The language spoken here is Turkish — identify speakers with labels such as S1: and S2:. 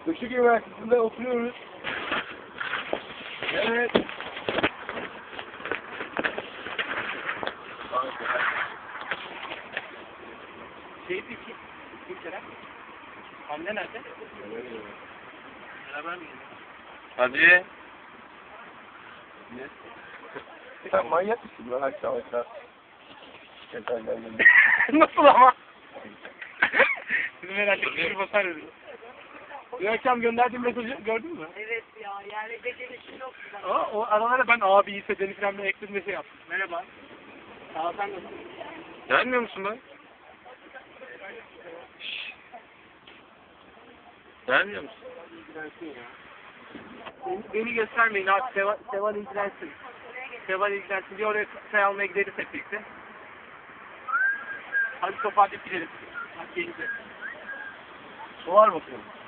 S1: Işık Üniversitesi'nde oturuyoruz. Evet.
S2: Şeydi ki, kim Kerem? Anne nerede? Beraber mi gidiyor?
S3: Hadi.
S1: Sen manyak mısın lan akşam akşam?
S2: Nasıl ama? Bizim herhalde küçük basar dedi. Bir akşam gönderdiğim mesajı gördün mü?
S4: Evet ya, yani becerisi yok.
S2: O aralara ben abi ise Deniz İrem'le ekledim bir şey yaptım. Merhaba. Sağ ol, sen nasılsın?
S3: Gelmiyor musun lan? Gelmiyor musun?
S2: Beni göstermeyin abi. Seval ilgilensin. Seval ilgilensin diye oraya çay almaya gideriz hep birlikte. Hadi toparlayıp gidelim. Hadi gelin.
S1: Var bakıyorum.